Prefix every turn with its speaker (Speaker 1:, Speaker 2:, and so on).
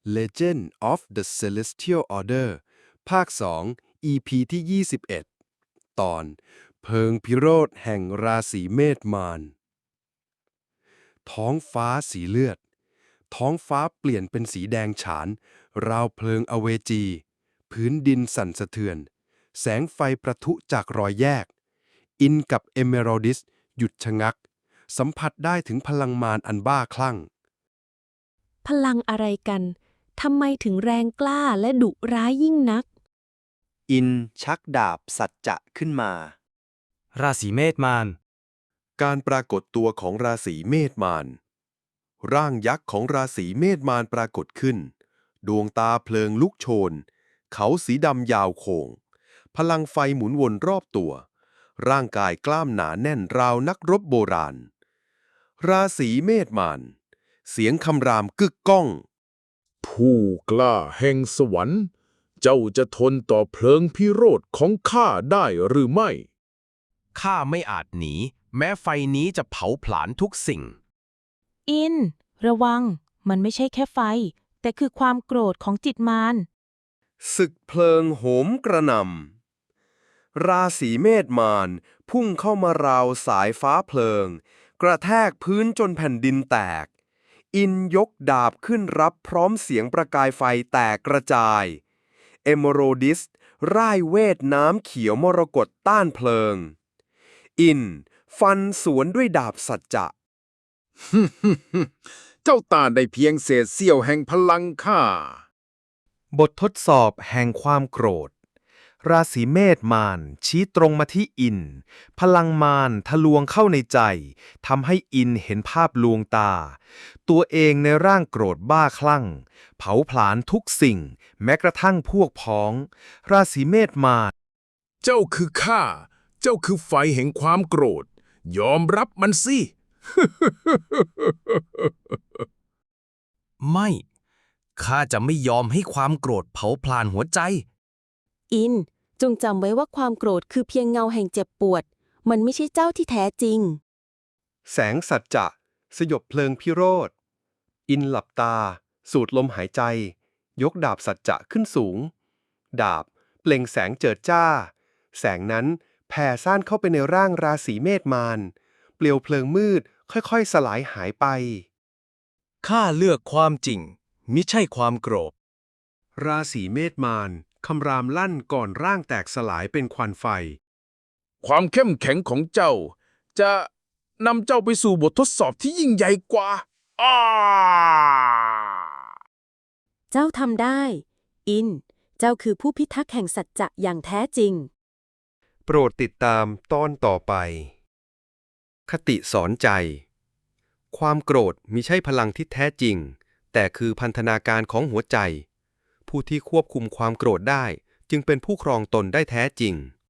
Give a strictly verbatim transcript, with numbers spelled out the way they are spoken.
Speaker 1: Legend of the Celestial Order ภาค สอง อี พี ที่ ยี่สิบเอ็ด ตอน เพิงพิโรธแห่งราศีเมษมาร ท้องฟ้าสีเลือด ท้องฟ้าเปลี่ยนเป็นสีแดงฉาน ราวเพลิงอเวจี พื้นดินสั่นสะเทือน แสงไฟประทุจากรอยแยก อินกับเอเมอรัลดิสหยุดชะงัก สัมผัสได้ถึงพลังมารอันบ้าคลั่ง
Speaker 2: พลังอะไรกัน ทำไมถึงแรงกล้าและดุร้ายยิ่งนัก
Speaker 3: อินชักดาบสัจจะขึ้นมา
Speaker 4: ราศีเมษมาร
Speaker 1: การปรากฏตัวของราศีเมษมาร ร่างยักษ์ของราศีเมษมารปรากฏขึ้น ดวงตาเพลิงลุกโชน เขาสีดำยาวโค้ง พลังไฟหมุนวนรอบตัว ร่างกายกล้ามหนาแน่นราวนักรบโบราณ ราศีเมษมาร เสียงคำรามกึกก้อง
Speaker 5: ผู้กล้าแห่งสวรรค์ เจ้าจะทนต่อเพลิงพิโรธของข้าได้หรือไม่
Speaker 4: ข้าไม่อาจหนี แม้ไฟนี้จะเผาผลาญทุกสิ่ง
Speaker 2: อิน ระวัง มันไม่ใช่แค่ไฟ แต่คือความโกรธของจิตมาร
Speaker 1: ศึกเพลิงโหมกระหน่ำ ราศีเมษมารพุ่งเข้ามาราวสายฟ้าเพลิง กระแทกพื้นจนแผ่นดินแตก อินยกดาบขึ้นรับพร้อมเสียงประกายไฟแตกกระจาย เอเมโรดิสร่ายเวทน้ำเขียวมรกตต้านเพลิง อินฟันสวนด้วยดาบสัจจะ
Speaker 5: เจ้าต้านได้เพียงเศษเสี้ยวแห่งพลังข้า
Speaker 6: บททดสอบแห่งความโกรธ ราศีเมษมารชี้ตรงมาที่อิน พลังมารทะลวงเข้าในใจ ทำให้อินเห็นภาพลวงตา ตัวเองในร่างโกรธบ้าคลั่ง เผาผลาญทุกสิ่ง แม้กระทั่งพวกพ้อง ราศีเมษมาร
Speaker 5: เจ้าคือข้า เจ้าคือไฟแห่งความโกรธ ยอมรับมันสิ
Speaker 4: ไม่ ข้าจะไม่ยอมให้ความโกรธเผาผลาญหัวใจ
Speaker 2: อิน จงจำไว้ว่าความโกรธคือเพียงเงาแห่งเจ็บปวด มันไม่ใช่เจ้าที่แท้จริง
Speaker 1: แสงสัจจะสยบเพลิงพิโรธ อินหลับตา สูดลมหายใจ ยกดาบสัจจะขึ้นสูง ดาบเปล่งแสงเจิดจ้า แสงนั้นแผ่ซ่านเข้าไปในร่างราศีเมษมาร เปลวเพลิงมืดค่อยๆสลายหายไป
Speaker 4: ข้าเลือกความจริง มิใช่ความโกรธ
Speaker 1: ราศีเมษมารคำรามลั่นก่อนร่างแตกสลายเป็นควันไฟ
Speaker 5: ความเข้มแข็งของเจ้า จะนำเจ้าไปสู่บททดสอบที่ยิ่งใหญ่กว่าอ้า
Speaker 2: เจ้าทำได้ อิน เจ้าคือผู้พิทักษ์แห่งสัจจะอย่างแท้จริง
Speaker 1: โปรดติดตามตอนต่อไป คติสอนใจ ความโกรธมิใช่พลังที่แท้จริง แต่คือพันธนาการของหัวใจ ผู้ที่ควบคุมความโกรธได้จึงเป็นผู้ครองตนได้แท้จริง